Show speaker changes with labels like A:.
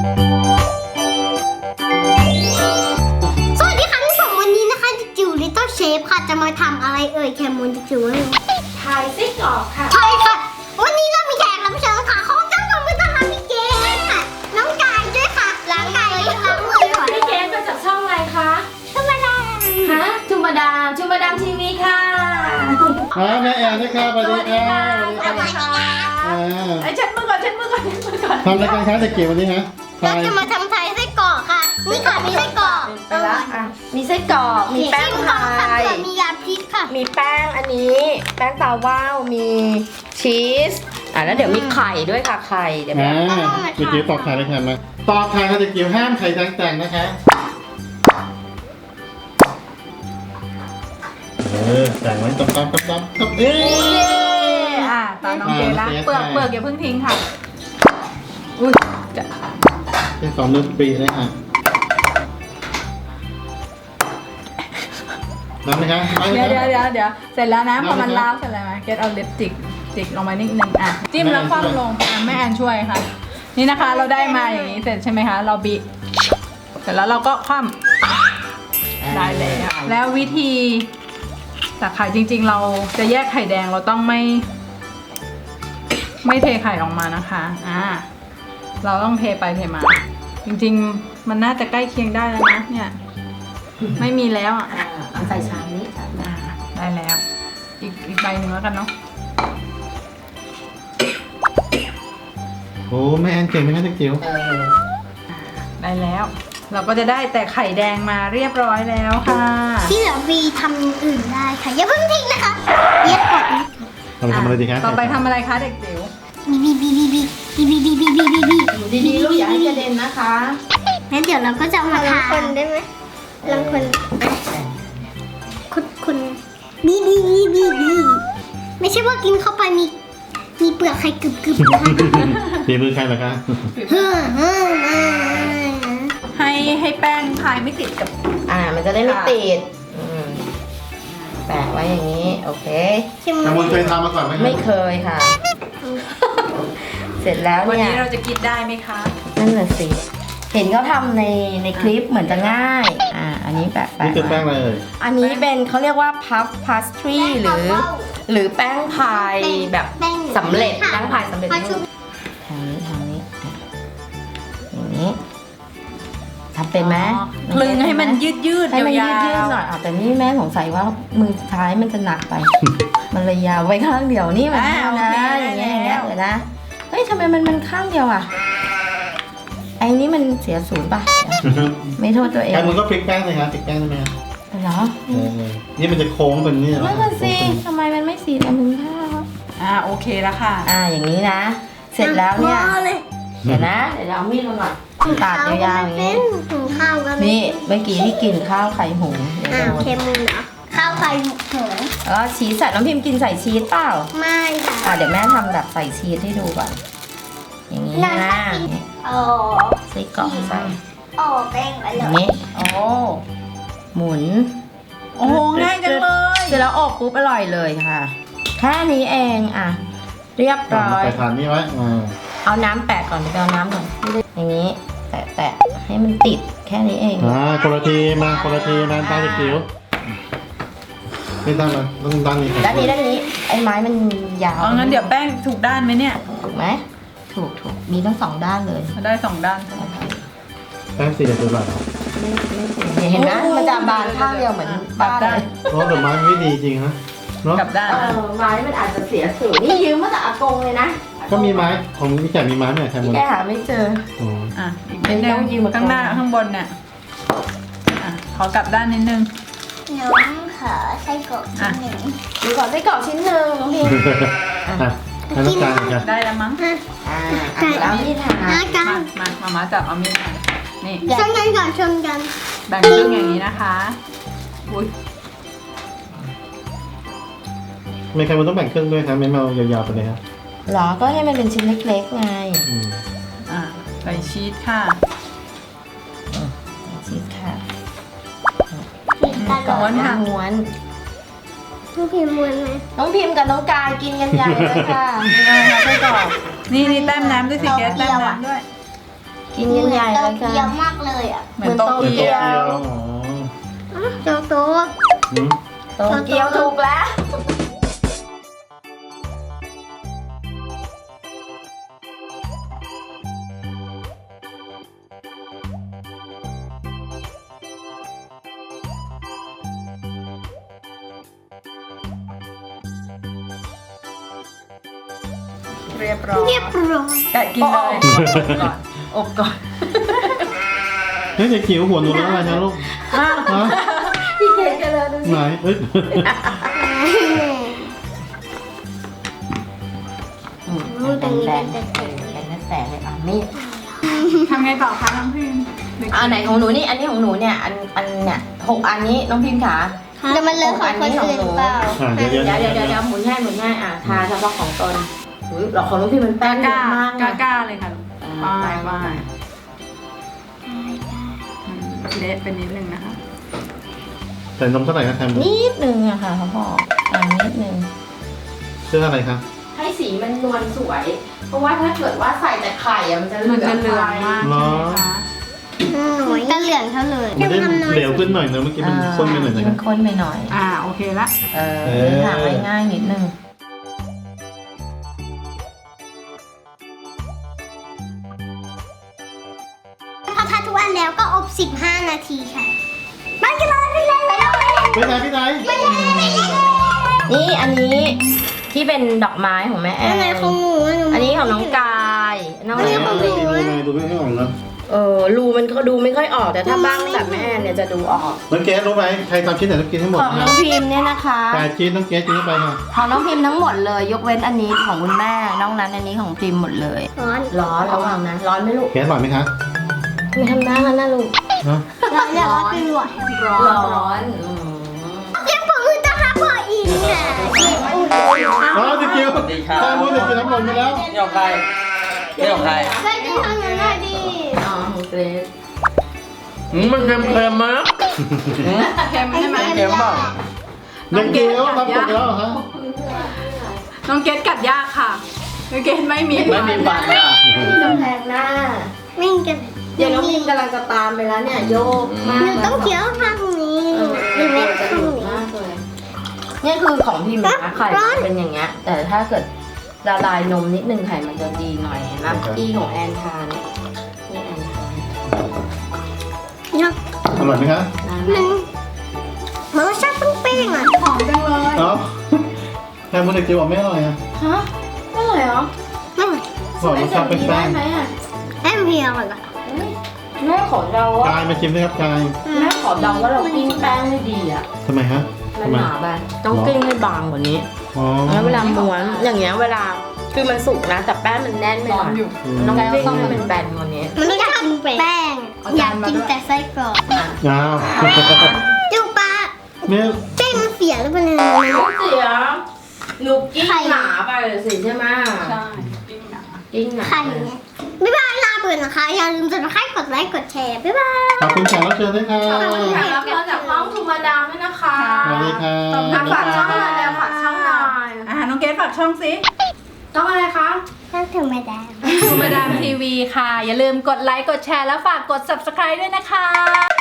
A: สวัสดีค่ะทุกคนวันนี้นะคะจิ๋วลิตเติ้ลเชฟค่ะจะมาทำอะไรเอ่ยแคมูนจิ๋ว
B: ทายไส้กรอกค่ะ
A: ใช่ค่ะวันนี้เรามีแขกรับเชิญค่ะเขาจะมาเป็นทหารพี่เกศค่ะน้องกายด้วยค่ะล้างกายล้างมือก่อน
B: พี่เกสมาจากช่องอะไรคะ
A: ธรรมดา
B: ฮะจุมาดามทีวีค่ะ
C: แม่แอนนะครับสวัสดีค่ะ
B: สวัสดีค่ะไอ้เช็ดมือก่อน
C: ทำอะไรกันคะเด็กเก๋วันนี้ฮะ
A: เราจะมาทำไทยไส้กรอกค่ะนี่ค่ะมีไส้กรอก
B: ไปละมีไส้กรอกมีแป้งพาย
A: มียาพิษค่ะ
B: มีแป้งอันนี้แป้งตาว่าวมีชีสแล้วเดี๋ยวมีไข่ด้วยค่ะไข่เดี๋ยวแม่
C: เด็กเก๋ตอกไข่เลยค่ะมาตอกไข่ค่ะเด็กเก๋ห้ามไข่แต่งนะคะแต่งไว้ตำต
D: ตาน้องเจละเปลือกอย่าเพิ่งทิ้งค่ะอุ้ยจะ
C: เป็น2 เดือนปีเลยค่ะน้ำไหมคะ
D: เดี๋ยวเสร็จแล้วนะพอมันล้าวเสร็จแล้วเกตเอาลิปจิกลงไปนิดนึงจิ้มแล้วคว่ำลงแม่แอนช่วยค่ะนี่นะคะเราได้มาอย่างนี้เสร็จใช่ไหมคะเราบีเสร็จแล้วเราก็คว่ำได้แล้ววิธีตักไข่จริงๆเราจะแยกไข่แดงเราต้องไม่เทไข่ออกมานะคะเราต้องเทไปเทมาจริงๆมันน่าจะใกล้เคียงได้แล้วนะเนี่ยไม่มีแล้ว
B: ใส่ชามนี้
D: ได้แล้วอีกใบหนึ่งแล้วกันเนาะ
C: โอ้แม่แอนเก่งไหมคะเด็กจิ๋ว
D: ได้แล้วเราก็จะได้แต่ไข่แดงมาเรียบร้อยแล้วค่ะ
A: ที่เหลือวีทำอย่างอื่นได้ค่ะอย่าเพิ่งทิ้งนะคะเย็บก่อน
C: ทำอะไรดีคะ
D: ต่อไปทำอะไรคะเด็กจิ๋ว
A: บี
B: ดีๆลูกอย่าให้กระเด็นนะคะ
A: งั้นเดี๋ยวเราก็จะมาทาคนได้ไหมลังคนคุณบีไม่ใช่ว่ากินเข้าไปมีเปลือกไข่กึบนะคะ
C: ตีมือใครเหรอคะ
D: ให้แป้งพายไม่ติดกับ
B: มันจะได้ไม่ติดแปะไว้อย่างนี้โอเค
C: มูลเคยทำมาก่อนไหม
B: ไม่เคยค่ะเสร็จแล้วเนี่ย
D: วันนี้เราจะกินได้ไหมคะ
B: นั่นแหละสิเห็นเขาทำในคลิปเหมือนจะง่ายอันนี้แปะ
C: นี่คือแป้งอะไร
B: อันนี้เป็นเขาเรียกว่าพัฟพาสทรีหรือแป้งพายแบบสำเร็จแป้งพายสำเร็จทางนี้อย่างนี้ทำเป็นไหม
D: คลึงให้มันยืด
B: ให้มันยืดหน่อยแต่นี่แม่สงสัยว่ามือท้ายมันจะหนักไปมันเลยยาวไว้ข้างเดียวนี่มันนะอย่างเงี้ยเดี๋ยวนะเฮ้ยทำไมมันข้างเดียวไอ้นี่มันเสียศูนย์ป่ะไม่โทษตัวเอง
C: มันก็พลิกแป้งเลยครับพลิกแป้งได้ไหม
B: เหรอ
C: นี่มันจะโค้งเป็นนี่เหรอ
B: นั่นสิทำไมมันไม่สีแบบนี้
D: ค่ะโอเคแล้วค่ะ
B: อย่างนี้นะเสร็จแล้วเนี่ยเดี๋ยวนะเดี๋ยวเอามีดมาหน่อยตัดยาวๆอย่างนี้นี่เมื่อกี้ที่กินข้าวไข่หง
A: เค็มเหรอข้าวไข่หง
B: ชีสใส่น้องพิมพ์กินใส่ชีสเปล่า
A: ไม่ค่ะ
B: เดี๋ยวแม่ทำแบบใส่ชีสให้ดูก่อนอย่างนี้นะใส่กล่องใส่
A: แป้งไปเลย
B: นี่หมุน
D: โอ้ง่ายจังเลย
B: เสร็จแล้วอบปุ๊บอร่อยเลยค่ะแค่นี้เองเรียบร้อย
C: ไปทานนี่ไว้
B: เอาน้ำแปะก่อนเอาน้ำก่อนอย่างนี้แตะให้มันติดแค่นี้เอง
C: คนละทีมาตาจิ๋วไม่ตั้งเลยต้องตั้งนี่
B: ด้านนี้ไอ้ไม้มันยาว
D: งั้นเดี๋ยวแป้งถูกด้านไหมเนี่ย
B: ถูกไหมถูกมีทั้ง2 ด้านเลย
D: ได้2 ด้าน
C: แป้งสีเด็ดตัวหลัง
B: เห็นไหมมันจะบานข้างเดียวเหมือนบ้านเลย
C: แต่ไม้ไม่ดีจริงฮะ
D: กับด้าน
B: ไม้มันอาจจะเสียสูตรนี่ยืมมาจากอากงเลยนะ
C: ก็มีไม้ของพี่แกมีไม้เนี่ยใช่ไหม
B: แกหาไม่เจอ
D: อีกนิดนึงข้างหน้าข้างบนเนี่ยขอกลับด้านนิดนึง
A: น้องขอไส้กรอกชิ้นหนึ่ง
B: ขอไส้กรอกชิ้นหนึ่งน้องพิม
C: ให้ต้องการกัน
D: ได้แล้วมั้ง
B: แล้วนี่ค่ะ
D: มาจับเอามีดนี่
A: ชนกันก่อนชนกัน
D: แบ่งครึ่งอย่างนี้นะคะ
C: ไม่ใครมันต้องแบ่งครึ่งด้วยครับไม่เมายาวๆไปเลยครับ
B: หรอก็ให้มันเป็นชิ้นเล็กๆไง
D: ใส่ชีสค่ะ
B: ชีสค่ะ
A: ม้วนน้องพิมพ์ม้วนไหม
B: น้องพิมพ์กับน้องกายกินกันใหญ่เลยค่ะ
D: ไส้กรอกนี่แต้มน้ำด้วยสิแกแต้มน้ำด้วย
B: กินกันใหญ่เลย
A: เกี๊ยว
B: ค่ะ
A: มากเลยอ่ะ
D: เหมือนโต
C: เป็น
D: เกี
C: โต
D: ยว
C: เกียวอ๋อ
A: โตโต
C: หืม
B: โตเกียวถูกแล้ว
D: เรียบร้อย
A: เรียบร้อย
D: แกะกินเลยอบก่อน
C: เฮ้ยเด็กจิ๋วหัวหนูแล้วอะไรนะลูกฮะ
B: พี่เกดกันเลยดูสิ
C: ไหนเอ้ย
B: แตกแตกเลยอ่ะมีด
D: ทำไงต่อคะน้องพิม
B: อันไหนของหนูนี่อันนี้ของหนูเนี่ยอันเนี่ย6 อันนี้น้องพิมพ์ขา
A: จะมันเลยของคนอื่นหรือเปล่า
C: อ่ะเดี๋ยว
B: เดี๋ยวหมุนให้อ่ะทาเฉพาะของตนอุ้ยเราของน้องพิมพ์มันแป้งเย
D: กล้า
B: อะมาก
D: กล้า
B: นะ
D: กล้าเลยค่ะไปไปเละเป็นนิดนึงนะคะ
C: ใส่นมเท่าไหร่คะแคม
B: นิดนึงอะค่ะเขาบอกนิดนึง
C: เชื่ออะไรคะ
B: ให้สีมันนวลสวย เพราะว่าถ้าเกิดว่าใส่แต่ไข่อะมันจะเหลื
D: มัน
B: อง
D: จะเหลืองมากใช่ไหมคะ
A: หน่อยก็เหลืองเท่าเลย
C: มันได้เหลวขึ้นหน่อยนะเมื่อกี้มันข้นไปหน่อยนะ
B: มันข้นไปหน่อย
D: โอเคละ
B: ถามง่ายๆนิดนึง
A: พอทาทุกอันแล้วก็อบ15 นาทีค่ะไปกันเลยไปเลย
C: ไปไหน
B: นี่อันนี้ที่เป็นดอกไม้ของแม่แอ
A: อันไหน
B: น
A: ของหนู
B: อันนี้ของน้องกายน้อง
A: อันนี้ของหนู
C: ดูยังไงดูไม่ออกนะ
B: รูมันก็ดูไม่ค่อยออกแต่ถ้าบ้างแบบแม่แอนเนี่ยจะดูออก
C: น้องเกสรู้ไหมใครทำชิ้นไหนต้องกินให้หมด
B: ของน้
C: นะ
B: องพิมพ์เนี่ยนะคะ
C: 8 ชิ้นน้องเกสกินเข้าไปค่ะ
B: ของน้องพิมพ์ทั้งหมดเลยยกเว้นอันนี้ของคุณแม่นอกนั้นอันนี้ของพิมพ์หมดเลย
A: ร้อน
B: ร้อนระวังนะร้อนไหมลูก
C: เกสอร่อยไหมคะ
B: ไม่ทำหน้ากันนะลูก
C: นะ
A: ร้อนเนี่ยร้อนไปหมด
B: ร้อน
A: เรียกผมคือจะหาพ่ออีกนะเรียกอุ่น
C: อ๋อเด็กจิ๋ว
E: สวัสดีครับ
C: แค่รู้เด็กจิ๋วน้ำลงไปแล้ว
E: นี่ของใครนี่ของใคร
A: ไปกินทางนั้นได้ดี
B: อ๋อของเกรซ
E: มันเค็มๆมั้ย
D: เค็มใช่ไหม
E: เค็มเปล่า
C: เด็กจิ๋วทำตกแล้วเหรอฮะ
D: น้องเกดกัดยากค่ะน้องเกดไม่มี
E: ไม่มีฟันอ่ะ
B: นี่กำแพงหน้า
A: วิ่งกัน
B: เดี๋ยวน้องพิมพ์กำลังจะตามไปแล้วเนี่ยโยกมาก
A: หนูต้องเคี้ยวข้างนี้หรือไม่ข้างนี้
B: มากเลยเนี่ยคือของพิมพ์นะไข่มันเป็นอย่างเงี้ยแต่ถ้าเกิดละลายนมนิดนึงไข่มันจะดีหน่อยเห็นไหมที่ของแอนทานนี่แอนทาน
A: เนี่ย
C: อร่อยไหมคะ
A: มันรสชาติเป้งๆอ่ะ
D: หอมจังเลย
C: เอ้าแค่รู้เด็กจิ๋วบอกไม่อร่อยอ่ะ
B: ฮะไม่อร่อยเหรอ
C: บอกรสชาติเป็นแป้ง
B: ได้ไหมอ่ะ
A: แอมเพียงเหรอ
B: แม่ขอเดาว่าก
C: ายมาชิมด้วยครับกาย
B: แม่ขอเดาว่าเรากิ้งแป้งให้ดีอ่ะ
C: ทำไมฮะ
B: มัน
C: ทำไม
B: หนาไปต้องกิ้งให้บางกว่านี้
C: อ๋อ
B: แล้วเวลาม้วนอย่างเงี้ยเวลาคือมันสุกนะแต่แป้งมันแน่นไปห
D: ร้อ
B: น่
D: น
B: อย
D: อยู่
B: ต้องกิ้งให้มันแบนกว่านี้
A: มันไม่อยากกินแป้ง อยากกินแต่ไส้กรอก
C: อ้าว
A: จูปลา
C: เนี่ย
A: แป้งมันเสียหรือเปล่าเนี่ย
B: เสียหนูกิ้งหนาไปเลยสิใช่ไหม
D: ใช่ปิ้งหนา
B: กิ้งหนา
A: ไข่เนี่ยบ๊ายบายลาไปก่อนนะคะ อย่าลืมกดไลค์กดไลค์กดแชร์บ๊ายบาย
C: ขอบคุณแขกรับเชิญด้วยค่ะ
B: แขกรับเชิญจากห้องทูมาดามด้วยนะคะ
C: สวัสดีค่ะ
B: ฝากช่องหน่อยแล้วฝากช่องหน่อย
D: น้องเกดฝากช่องสิ
B: ช่องอะไรคะ
A: ถ้าถึงไม่ได้
D: ทูมาดามทีวีค่ะ อย่าลืมกดไลค์ กดแชร์ แล้วฝากกด subscribe ด้วยนะคะ